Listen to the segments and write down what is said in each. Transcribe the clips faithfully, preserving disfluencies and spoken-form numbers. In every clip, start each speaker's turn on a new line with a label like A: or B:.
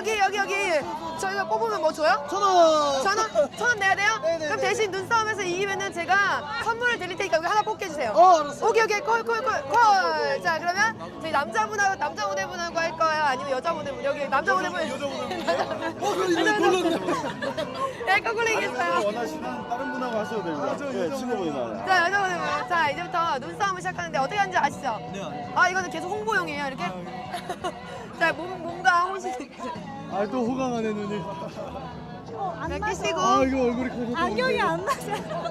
A: 여기 여기 여기 저희가 뽑으면 뭐 줘요?
B: 천 원.
A: 천 원? 천 원 내야 돼요?
B: 네네네.
A: 그럼 대신 눈싸움에서 이기면은 제가 선물을 드릴 테니까 여기 하나 뽑게 해주세요.
B: 어, 알았어요.
A: 오케이 오케이 콜콜콜콜. 자 그러면 저희 남자분하고 남자 모델분하고 할 거예요? 아니면 여자 모델분? 여기 남자 모델분. 여자 모델분.
B: 어, 그럼 이거 골랐네.
A: 네, 거꾸로 이겼어요.
C: 원하시는 다른 분하고 하셔도 됩니다. 네, 친구분이나.
A: 자 여자 모델분. 자 이제부터 눈싸움을 시작하는데 어떻게 하는지 아시죠?
B: 네.
A: 아 이거는 계속 홍보용이에요 이렇게. 자 몸, 몸과 혼신.
C: 아, 또 호강하네, 눈이.
D: 어, 안
A: 자
D: 맞아.
A: 끼시고.
C: 아, 이거 얼굴이 커서.
D: 안경이 안 맞아.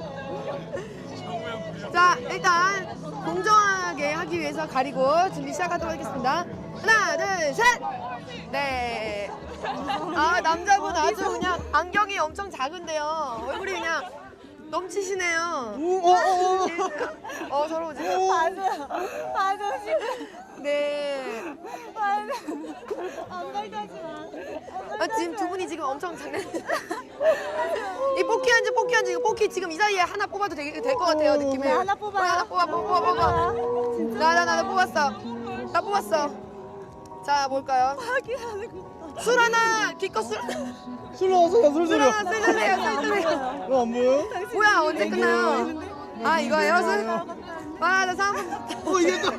A: 자 일단 공정하게 하기 위해서 가리고 준비 시작하도록 하겠습니다. 하나 둘 셋. 네. 아 남자분 아주 그냥 안경이 엄청 작은데요. 얼굴이 그냥 넘치시네요.
B: 오, 어, 어, 어.
A: 어 서로 지금.
D: 맞아. 맞아.
A: 네.
D: 맞아. 안 밝아지 마.
A: 아, 지금 두 분이 지금 엄청 장난. 이 뽑기 한지 뽑기 한지 이거 뽑기 지금 이 사이에 하나 뽑아도 될 것 같아요 느낌이.
D: 네, 하나 뽑아요.
A: 어, 하나 뽑아 뽑아 뽑아.
D: 진짜.
A: 나 나 나 뽑았어. 나 뽑았어. 자 뭘까요?
D: 확인하는 거.
A: 술 하나 기껏 술.
B: 술 나왔어, 술
A: 술
B: 소리야.
A: 하나 술 주세요 술 주세요.
B: 이거 안 보여?
A: 뭐야 언제 끝나요? 아 이거예요 술? 와나 삼.
B: 어, 이겼다.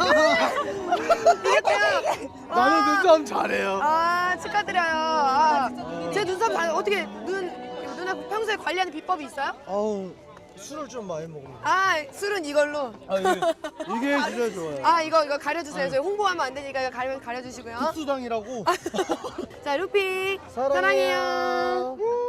A: 이겼대요.
B: 나는 눈싸움 잘해요.
A: 아 축하드려요. 아, 제 눈썹 봐- 어떻게 눈 누나 평소에 관리하는 비법이 있어요?
B: 아우, 술을 좀 많이 먹으면.
A: 아 술은 이걸로.
B: 아, 이게, 이게 진짜 좋아요.
A: 아 이거 이거 가려주세요. 저희 홍보하면 안 되니까 이거 가려 가려주시고요.
B: 국수당이라고.
A: 자 루피
B: 사랑해요.
A: 사랑해요.